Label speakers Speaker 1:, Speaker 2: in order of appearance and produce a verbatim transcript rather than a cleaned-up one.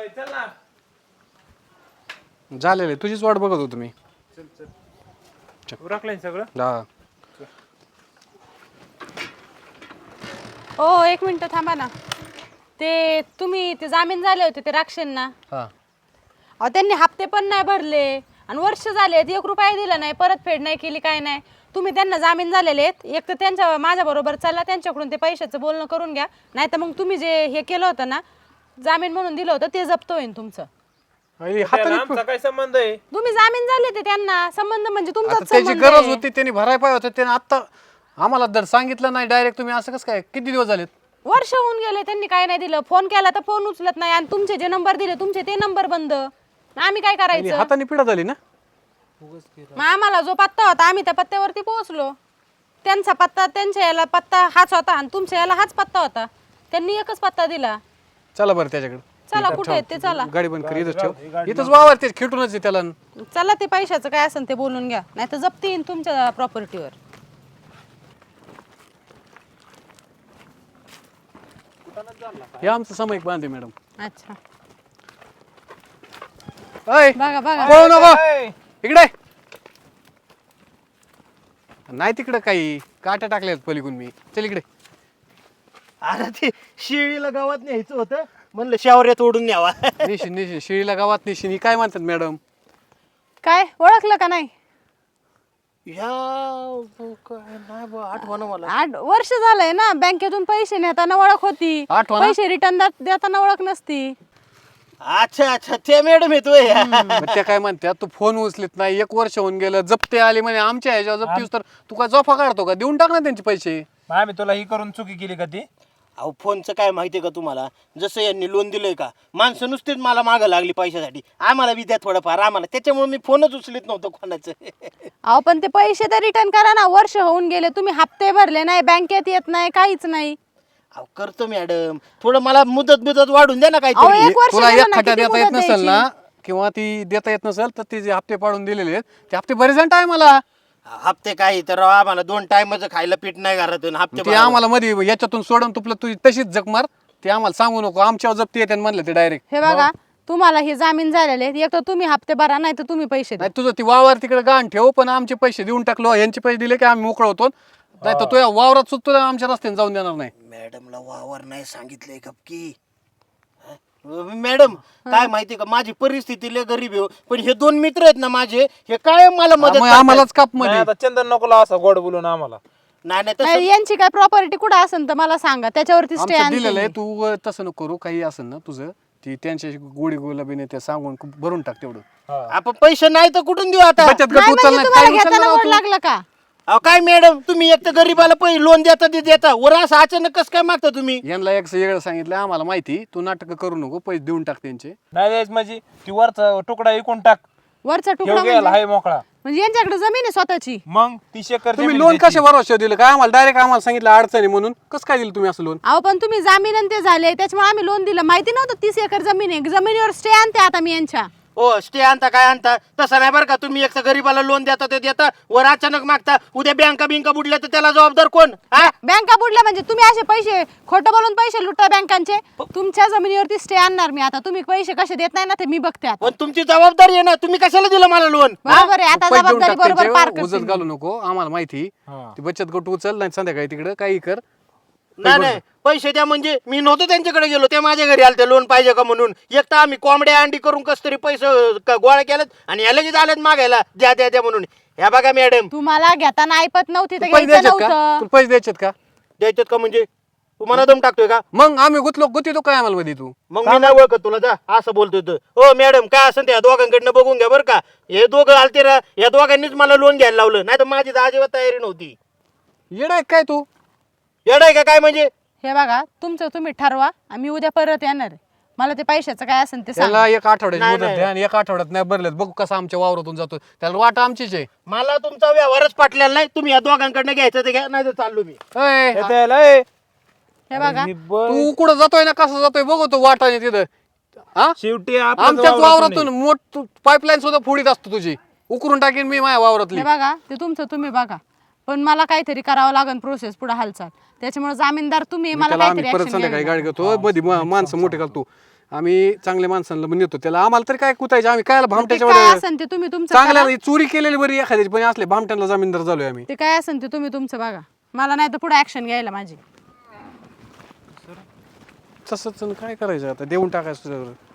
Speaker 1: चल ना.
Speaker 2: झालेले तुझीच वाट बघत होतो मी.
Speaker 1: उरकलंय सगळं.
Speaker 2: हा
Speaker 3: ओ एक मिनिट थांबा ना. ते तुम्ही ते जामीन झाले होते ते राक्षेंना,
Speaker 2: हा
Speaker 3: अहो त्यांनी हप्ते पण नाही भरले आणि वर्ष झाले एक रुपया दिला नाही, परतफेड नाही केली, काय नाही. तुम्ही त्यांना जामीन झालेले आहेत, एक तर त्यांच्या माझ्या बरोबर चला, त्यांच्याकडून ते पैशाचं बोलणं करून घ्या, नाही तर मग तुम्ही जे हे केलं होतं ना जामीन म्हणून दिलं होतं ते जप्त होईल तुमचं.
Speaker 1: त्याला आमचा काय संबंध आहे?
Speaker 3: तुम्ही जामीन झाले ते त्यांना संबंध म्हणजे
Speaker 2: आता
Speaker 3: तुमचाच
Speaker 2: त्याची
Speaker 3: संबंध
Speaker 2: गरज
Speaker 3: आहे.
Speaker 2: होती, त्यांनी भराय पाहिजे होतं. त्याने आता आम्हाला जर सांगितलं नाही डायरेक्ट, तुम्ही असं कसं काय, किती दिवस झालेत?
Speaker 3: वर्ष होऊन गेले त्यांनी काय नाही दिलं. फोन केला तर फोन उचलत नाही आणि तुमचे जे नंबर दिले तुमचे ते नंबर बंद. आम्ही काय करायचं?
Speaker 2: हाताने पिढा झाली ना.
Speaker 3: मग आम्हाला जो पत्ता होता आम्ही त्या पत्त्यावरती पोहोचलो. त्यांचा पत्ता त्यांच्या याला पत्ता हाच होता आणि तुमच्या याला हाच पत्ता होता. त्यांनी एकच पत्ता दिला.
Speaker 2: चला बरं त्याच्याकडे.
Speaker 3: चला कुठे आहेत ते चला.
Speaker 2: गाडी बंद कर, इथंच ठेव. इथंच वावर ते खेटूनच आहे त्याला.
Speaker 3: चला ते पैशाचं काय असेल ते बोलून घ्या, नाही तर जप्ती येईन तुमच्या प्रॉपर्टीवर.
Speaker 2: हे आमचं सामायिक बांधे मॅडम.
Speaker 3: अच्छा
Speaker 2: अय
Speaker 3: बघा बघा.
Speaker 2: पळू नको
Speaker 1: ए,
Speaker 2: इकडे. नाही तिकडे काही काट्या टाकल्यात पलीकडून मी. चल इकडे.
Speaker 4: अरे ते शिळीला गावात न्यायचं होतं, म्हणलं शावऱ्यात ओढून न्यावा.
Speaker 2: निशिन निशिन शिळीला गावात निशिन ही काय म्हणतात मॅडम?
Speaker 3: काय ओळखलं का नाही?
Speaker 4: या काय नाही बा, आठवण मला.
Speaker 3: आठ वर्ष झालंय ना बँकेतून पैसे नेताना ओळख होती,
Speaker 2: आठवण ना?
Speaker 3: पैसे रिटर्न देताना ओळख नसती.
Speaker 4: अच्छा अच्छा, ते मॅडम येतोय.
Speaker 2: मग त्या काय म्हणतात, तू फोन उचलत नाही, एक वर्ष होऊन गेलं, जप्ते आले म्हणे आमच्या ह्याच्यावर जप्तीस, तर तू काय जोफा काढतो का? देऊन टाक ना त्यांचे पैसे.
Speaker 1: मग आम्ही तुला ही करून चुकी केली का ती?
Speaker 4: अहो फोनचं काय माहितीये का तुम्हाला, जसं यांनी लोन दिलंय का, माणसं नुसतीच मला मागं लागली पैशासाठी, आम्हाला बी द्या थोडंफार आम्हाला, त्याच्यामुळे मी फोनच उचलत नव्हतं कोणाचं.
Speaker 3: अहो पण ते पैसे तर रिटर्न करा ना. वर्ष होऊन गेले तुम्ही हप्ते भरले नाही, बँकेत येत नाही, काहीच नाही.
Speaker 4: अहो करतो मॅडम, थोडं मला मुदत मुदत वाढून द्या ना
Speaker 3: अहो,
Speaker 4: काहीतरी.
Speaker 3: एक वर्ष
Speaker 2: तुला
Speaker 3: गेलं
Speaker 2: एक
Speaker 3: ना,
Speaker 2: खड्डा
Speaker 3: किती
Speaker 2: देता येत
Speaker 3: मुदत
Speaker 2: नसेल ना,
Speaker 3: द्यायची?
Speaker 2: किंवा ती देता येत नसेल तर ती जे हप्ते पाडून दिलेले आहेत ते हप्ते बरेच जण आहे मला.
Speaker 4: हप्ते काही तर राव, आम्हाला दोन टाइमचं खायला पीठ नाही घरातून हप्ते
Speaker 2: ते
Speaker 4: भरावं.
Speaker 2: आम्हाला मध्ये याच्यातून सोडून तुपलं तुझी तशीच जग मार. ते आम्हाला सांगू नको, आमच्यावर जप्ती येते म्हणलं ते डायरेक्ट.
Speaker 3: हे बघा तुम्हाला हे जामीन झालेले आहेत. एक तर तुम्ही हप्ते भरा, नाही तर तुम्ही पैसे द्या.
Speaker 2: नाही तुझं ती वावर तिकडे गाण ठेव, पण आमचे पैसे देऊन टाकलो. यांचे पैसे दिले की आम्ही मोकळ होतो, नाही तर तुझ्या वावरात सुद्धा आमच्या रस्त्याने जाऊन देणार नाही.
Speaker 4: मॅडमला वावर नाही सांगितलंय गपकी. मॅडम काय माहिती का, माझी परिस्थिती लय गरीब आहे हो. पण हे दोन मित्र आहेत ना माझे, हे काय मला मदत
Speaker 2: मग
Speaker 4: करतात.
Speaker 2: आम्हालाच काप
Speaker 1: नाही,
Speaker 2: मध्ये.
Speaker 1: आता चंदन नको लावा असा गोड बोलून आम्हाला.
Speaker 4: नाही नाही तसं
Speaker 3: नाही, यांची काय प्रॉपर्टी कुठे असेल तर मला सांगा, त्याच्यावरती स्टे
Speaker 2: आमचं दिलेलं आहे. तू अं, तसं नको करू. काही असेल ना तुझं ती त्यांच्याशी गोडी गुलाबीने ते सांगून भरून टाक तेवढं.
Speaker 1: हा.
Speaker 4: आपण पैसे नाही तर कुठून देऊ आता.
Speaker 2: बचत गट उचल नाही,
Speaker 3: तुम्हाला
Speaker 2: काय उचलणार
Speaker 3: घेताना
Speaker 2: आहोत
Speaker 3: गोड
Speaker 2: तू?
Speaker 3: लागलं का?
Speaker 4: अहो काय मॅडम, तुम्ही एक तर गरीबाला पैसे लोन देता ते देता, वर असं अचानक कसं काय मागता तुम्ही?
Speaker 2: यांना एक वेगळं सांगितलं आम्हाला माहिती. तू नाटक करू नको, पैसे देऊन टाक त्यांचे.
Speaker 1: नाही द्यायच माझी ती वरचा तुकडा विकून टाक.
Speaker 3: वरचा
Speaker 1: ठेव
Speaker 3: तुकडा
Speaker 1: गेला
Speaker 3: म्हणजे
Speaker 1: हाय मोकळा.
Speaker 3: म्हणजे यांच्याकडे जमीन आहे स्वतःची.
Speaker 1: मग तीस एकर
Speaker 2: तुम्ही
Speaker 1: जमीन
Speaker 2: लोन
Speaker 1: त्याची.
Speaker 2: कशा भरोसा दिलं काय आम्हाला? डायरेक्ट आम्हाला सांगितलं अडचणी म्हणून. कसं काय दिलं तुम्ही असं लोन?
Speaker 3: अहो पण तुम्ही जामीन आणि ते झाले त्याच्यामुळे आम्ही लोन दिलं. माहिती नव्हतं तीस एकर जमीन आहे. जमिनीवर स्टे आणते आता मी यांच्या.
Speaker 4: हो स्टे आणता काय आणता तसं नाही बरं का. तुम्ही एक तर गरीबाला लोन देता ते देता, वर अचानक मागता, उद्या बँका बिंका बुडल्या तर त्याला जबाबदार कोण? हा
Speaker 3: बँका बुडल्या म्हणजे तुम्ही असे पैसे खोटं बोलून पैसे लुटता बँकांचे. तुमच्या जमिनीवरती स्टे आणणार मी आता. तुम्ही पैसे कसे देत नाही ना ते मी बघते आता.
Speaker 4: पण तुमची जबाबदारी आहे ना, तुम्ही कशाला दिलं मला लोन?
Speaker 3: बरोबर आहे, आता
Speaker 2: पैसे देऊन
Speaker 3: जबाबदारी
Speaker 2: टाक
Speaker 3: बरोबर पार
Speaker 2: त्यांचे, उजत
Speaker 3: करते.
Speaker 2: घालू नको. आम्हाला माहिती
Speaker 1: हा.
Speaker 2: ती बचत गट उचल नाही संध्याकाळी तिकडे काही कर.
Speaker 4: नाही नाही पैसे द्या म्हणजे मी नव्हतो त्यांच्याकडे गेलो, ते माझ्या घरी आले ते लोन पाहिजे का म्हणून. एक तर आम्ही कोंबड्या अंडी करून कस तरी पैसे क- गोळा केलेत आणि या लगेच आलेत मागायला द्या द्या द्या म्हणून. ह्या बघा मॅडम,
Speaker 3: तुम्हाला घेताना ऐपत नव्हती तर
Speaker 2: पैसे
Speaker 3: घ्यायचं
Speaker 2: द्यायचेत का?
Speaker 3: नव्हतं.
Speaker 2: तुला पैसे द्यायचेत का?
Speaker 4: द्यायच्यात का म्हणजे तुम्हाला दम टाकतोय का?
Speaker 2: मग आम्ही गुतलो गुती तो काय आम्हाला मध्ये तू?
Speaker 4: मग मी नाही ओळखत तुला, जा असं बोलतोय तर. हो मॅडम काय असं त्या दोघांकडनं बघून घ्या बरं का. हे दोघं आलते ना, या दोघांनीच मला लोन घ्यायला लावलं, नाही तर माझी तर अजिबात तयारी नव्हती.
Speaker 2: येडा आहे काय तू?
Speaker 4: येडाय का काय म्हणजे?
Speaker 3: हे बघा तुमचं तुम्ही ठरवा. आम्ही उद्या परत येणार आहे. मला ते पैशाचं काय असेल ते सांगा.
Speaker 2: त्याला एक आठवड्याची
Speaker 4: नाही,
Speaker 2: मुदत
Speaker 4: नाही.
Speaker 2: द्या आणि एक आठवड्यात नाही भरलेत बघू कसं आमच्या वावरातून जातो. त्याला वाट आमचीच आहे.
Speaker 4: मला तुमचा व्यवहारच पाटलेला नाही. तुम्ही या दोघांकडनं घ्यायचं ते घ्या, नाही तर चाललो मी.
Speaker 2: अय,
Speaker 1: येतं याला, ए.
Speaker 3: हे बघा
Speaker 1: ही ब-
Speaker 2: तू कुठं जातोय ना कसं जातोय बघू तो वाटाने तिथं. हा
Speaker 1: शेवटी आपल्याच
Speaker 2: आमच्याच
Speaker 1: वावरातून
Speaker 2: वावरातून मोठ पाईपलाईन सुद्धा फोडीत असतो तुझी. उकरून टाकेन मी माझ्या वावरातली.
Speaker 3: हे बघा ते तुमचं तुम्ही बघा. पण मला काहीतरी करावं लागेल प्रोसेस पुढे हालचाल. त्याच्यामुळे जामीनदार तुम्ही
Speaker 2: मी
Speaker 3: मला
Speaker 2: त्याला आम्ही
Speaker 3: काहीतरी
Speaker 2: परत
Speaker 3: action
Speaker 2: संध्याकाळी
Speaker 3: घ्यावी
Speaker 2: गाडी घेतो मध्ये मा- माणसं मोठे घालतो आम्ही चांगल्या माणसांना नेतो त्याला, आम्हाला तरी काय कुतायचे, आम्ही काय
Speaker 3: ते
Speaker 2: भामट्याच्या
Speaker 3: काय
Speaker 2: वर
Speaker 3: असेल ते तुम्ही तुमचं
Speaker 2: चांगल्या
Speaker 3: करा.
Speaker 2: चोरी केलेली बरी एखाद्याची, पण असले भामट्यांना जामीनदार झालोय आम्ही.
Speaker 3: ते काय असेल ते तुम्ही तुमचं बघा, मला नाही तर पुढे ऍक्शन घ्यायला माझी.
Speaker 2: तसंच काय करायचं आता, देऊन टाकायचं.